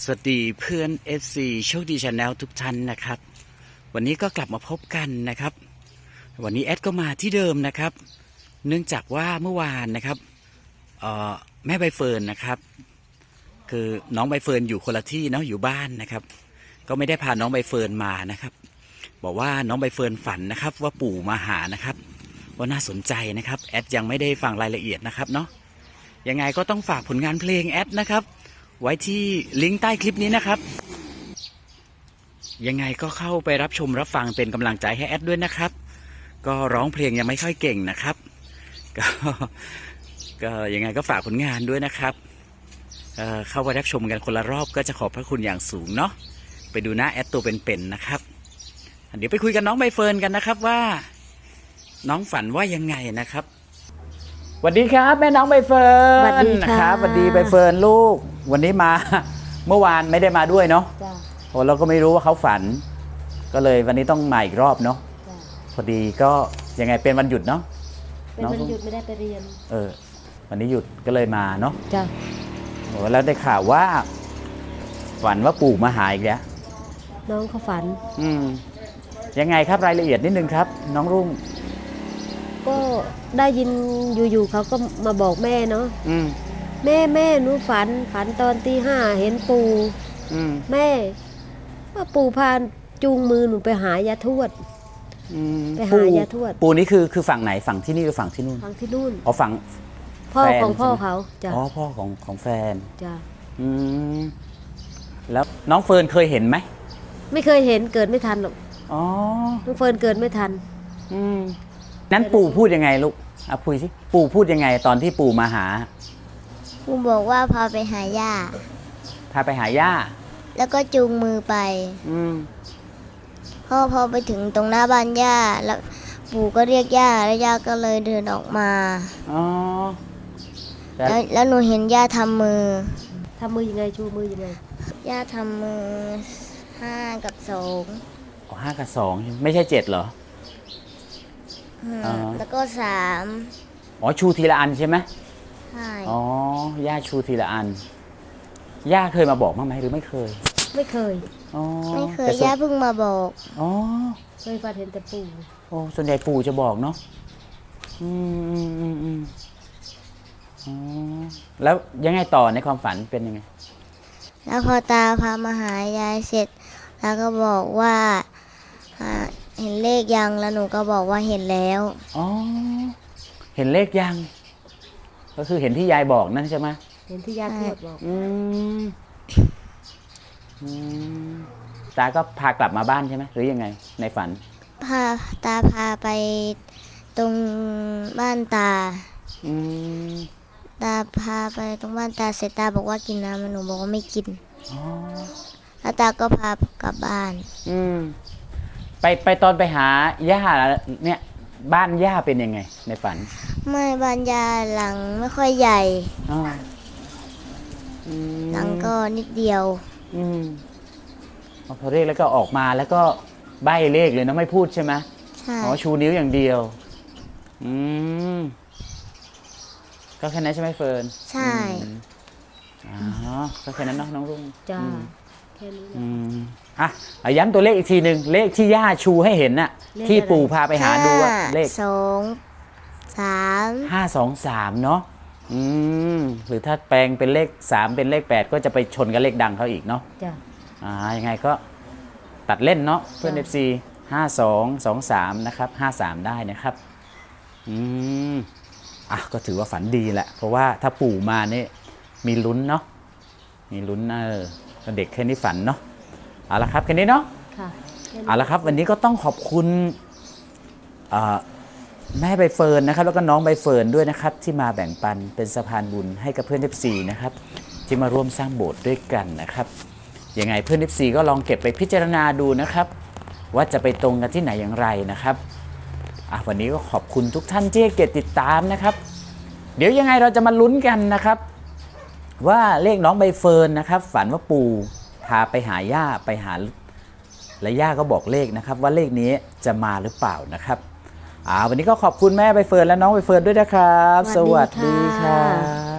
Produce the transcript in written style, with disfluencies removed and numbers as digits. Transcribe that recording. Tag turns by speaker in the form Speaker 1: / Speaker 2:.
Speaker 1: สวัสดีเพื่อน FC โชคดีชาแนลทุกท่านนะครับวันนี้ก็กลับมาพบกันนะครับวันนี้แอดก็มาที่เดิมนะครับเนื่องจากว่าเมื่อวานนะครับแม่ใบเฟิร์นนะครับคือน้องใบเฟิร์นอยู่คนละที่เนาะอยู่บ้านนะครับก็ไม่ได้พาน้องใบเฟิร์นมานะครับบอกว่าน้องใบเฟิร์นฝันนะครับว่าปู่มาหานะครับว่าน่าสนใจนะครับแอดยังไม่ได้ฟังรายละเอียดนะครับเนาะยังไงก็ต้องฝากผลงานเพลงแอดนะครับไว้ที่ลิงก์ใต้คลิปนี้นะครับยังไงก็เข้าไปรับชมรับฟังเป็นกำลังใจให้แอดด้วยนะครับก็ร้องเพลงยังไม่ค่อยเก่งนะครับก็ยังไงก็ฝากผลงานด้วยนะครับเข้าไปรับชมกันคนละรอบก็จะขอบพระคุณอย่างสูงเนาะไปดูหน้าแอดตัวเป็นๆนะครับเดี๋ยวไปคุยกับน้องใบเฟิร์นกันนะครับว่าน้องฝันว่ายังไงนะครับสวัสดีครับแม่น้องใบเฟิร์น
Speaker 2: สวัสดีค่ะ
Speaker 1: นะครับสวัสดีใบเฟิร์นลูกวันนี้มา เมื่อวานไม่ได้มาด้วยเนาะ
Speaker 2: จ้ะ
Speaker 1: โอ้เราก็ไม่รู้ว่าเขาฝัน ก็เลยวันนี้ต้องมาอีกรอบเนาะ
Speaker 2: จ้ะ
Speaker 1: พอดีก็ยังไงเป็นวันหยุดเนาะ
Speaker 2: เป็นวันหยุดไม่ได้ไปเรียน
Speaker 1: วันนี้หยุดก็เลยมาเนาะ
Speaker 2: จ้ะ
Speaker 1: โอ้แล้วได้ข่าวว่า ฝันว่าปู่มาหาอีกแล้ว
Speaker 2: น้องเขาฝัน
Speaker 1: ยังไงครับรายละเอียดนิดนึงครับ น้องรุ่ง
Speaker 2: ก็ได้ยินอยู่ๆเขาก็มาบอกแม่เนาะ
Speaker 1: อืม
Speaker 2: แม่หนูฝันตอนตี 5เห็นปู่
Speaker 1: อืม
Speaker 2: แม่ว่าปู่พาจูงมือหนูไปหายาทวด
Speaker 1: อืม
Speaker 2: ไปหายาทวด
Speaker 1: ปู่นี่คือฝั่งไหนฝั่งที่นี่หรือฝั่งที่นู่น
Speaker 2: ฟังที่นู่น
Speaker 1: อ๋อฝั่ง
Speaker 2: พ่อ
Speaker 1: แฟน
Speaker 2: ของพ่อ
Speaker 1: ใช่ไหม
Speaker 2: เขาจ้ะ
Speaker 1: อ๋อพ่อของแฟน
Speaker 2: จ้ะ
Speaker 1: อืมแล้วน้องเฟิร์นเคยเห็นไหม
Speaker 2: ไม่เคยเห็นเกิดไม่ทันหรอก
Speaker 1: อ๋อ
Speaker 2: น้องเฟิร์นเกิดไม่ทัน
Speaker 1: นั้นปู่พูดยังไงลูกอ่ะพูดสิปู่พูดยังไงตอนที่ปู่มาหา
Speaker 3: ปู่บอกว่าพาไปหาย่า
Speaker 1: พาไปหาย่า
Speaker 3: แล้วก็จูงมือไป
Speaker 1: อืม
Speaker 3: พอไปถึงตรงหน้าบ้านย่า แล้วปู่ก็เรียกย่า แล้วย่าก็เลยเดินออกมา
Speaker 1: อ๋อแล้ว
Speaker 3: แล้วหนูเห็นย่าทำมือ
Speaker 2: ทำมือยังไงชูมือยังไง
Speaker 3: ย่าทำมือ5 กับ 2
Speaker 1: 5 กับ 2ใช่ไหมไม่ใช่7เหรอ อ๋อ
Speaker 3: แล้วก็
Speaker 1: อ๋อชูทีละอันใช่ไหม
Speaker 3: 3 ใช่
Speaker 1: อ๋อย่าชูทีละอันย่าเคยมาบอกบ้างไหมหรือไม่เคย
Speaker 2: ไม่เคย
Speaker 1: อ๋อ
Speaker 3: ไม่เคย
Speaker 1: แต่ส่วน
Speaker 3: ย่าเพิ่งมาบอก
Speaker 1: อ๋อ
Speaker 2: เคยฝันเห็นแต่ปู่
Speaker 1: โอ้ส่วนใหญ่ปู่จะบอกเนาะอืมอ๋อแล้วยังไงต่อในความฝันเป็นยังไง
Speaker 3: แล้วพอตาพามาหายายเสร็จ แล้วก็บอกว่าเห็นเลขยัง แล้วหนูก็บอกว่าเห็นแล้ว
Speaker 1: อ๋อเห็นเลขยังก็คือเห็นที่ยายบอกนั่นใช่ไหม
Speaker 2: เห็นที่ยาทวดบอก
Speaker 1: อืมอืมตาก็พากลับมาบ้านใช่ไหมหรือยังไง ในฝัน
Speaker 3: ตาพาไปตรงบ้านตา
Speaker 1: อืม
Speaker 3: ตาพาไปตรงบ้านตาเสร็จตาบอกว่ากินน้ำหนูบอกว่าไม่กิน
Speaker 1: อ๋อ
Speaker 3: แล้วตาก็พากลับบ้าน
Speaker 1: อืมไปตอนไปหาย่าเนี่ย บ้านย่าเป็นยังไง ในฝัน
Speaker 3: ไม่บ้านยาหลังไม่ค่อยใหญ่
Speaker 1: อ๋ออืม
Speaker 3: หลังก็นิดเดียว
Speaker 1: อืมพอเรียกแล้วก็ออกมาแล้วก็ใบ้เลขเลยนะไม่พูดใช่ไหม
Speaker 3: ใช่
Speaker 1: อ๋อชูนิ้วอย่างเดียว อืมก็แค่นั้นใช่ไหมเฟิร์น
Speaker 3: ใช่
Speaker 1: อ๋อก็แค่นั้นเนาะน้องรุ่ง
Speaker 2: จ้า
Speaker 1: อืม
Speaker 2: แค่นี้แหละ
Speaker 1: อืมย้ำตัวเลขอีกทีหนึ่งเลขที่ย่าชูให้เห็นน่ะ
Speaker 2: เลขอะไร
Speaker 1: ที่ปู่พาไปหาดูอะเลข
Speaker 3: 2 3
Speaker 1: 523เนาะหรือถ้าแปลงเป็นเลข3เป็นเลข8ก็จะไปชนกับเลขดังเขาอีกเนาะ
Speaker 2: จ้ะ
Speaker 1: ยังไงก็ตัดเล่นเนาะเพื่อน
Speaker 2: จ้ะ
Speaker 1: FC 5223นะครับ53ได้นะครับก็ถือว่าฝันดีแหละเพราะว่าถ้าปู่มานี่มีลุ้นเนาะมีลุ้นเด็กแค่นี้ฝันเนาะเอาละครับแค่นี้เนาะ
Speaker 2: ค่ะแค่นี้
Speaker 1: เอาละครับวันนี้ก็ต้องขอบคุณแม่ใบเฟิร์นนะครับแล้วก็น้องใบเฟิร์นด้วยนะครับที่มาแบ่งปันเป็นสะพานบุญให้กับเพื่อน FC นะครับที่มาร่วมสร้างโบสถ์ด้วยกันนะครับยังไงเพื่อน FC ก็ลองเก็บไปพิจารณาดูนะครับว่าจะไปตรงกันที่ไหนอย่างไรนะครับวันนี้ก็ขอบคุณทุกท่านที่ให้เกียรติติดตามนะครับเดี๋ยวยังไงเราจะมาลุ้นกันนะครับว่าเลขน้องใบเฟิร์นนะครับฝันว่าปู่พาไปหาย่าไปหาและย่าก็บอกเลขนะครับว่าเลขนี้จะมาหรือเปล่านะครับวันนี้ก็ขอบคุณแม่ใบเฟิร์นและน้องใบเฟิร์นด้วยนะครับ
Speaker 2: สวัสดีค่ะ
Speaker 1: สวัสดีครับ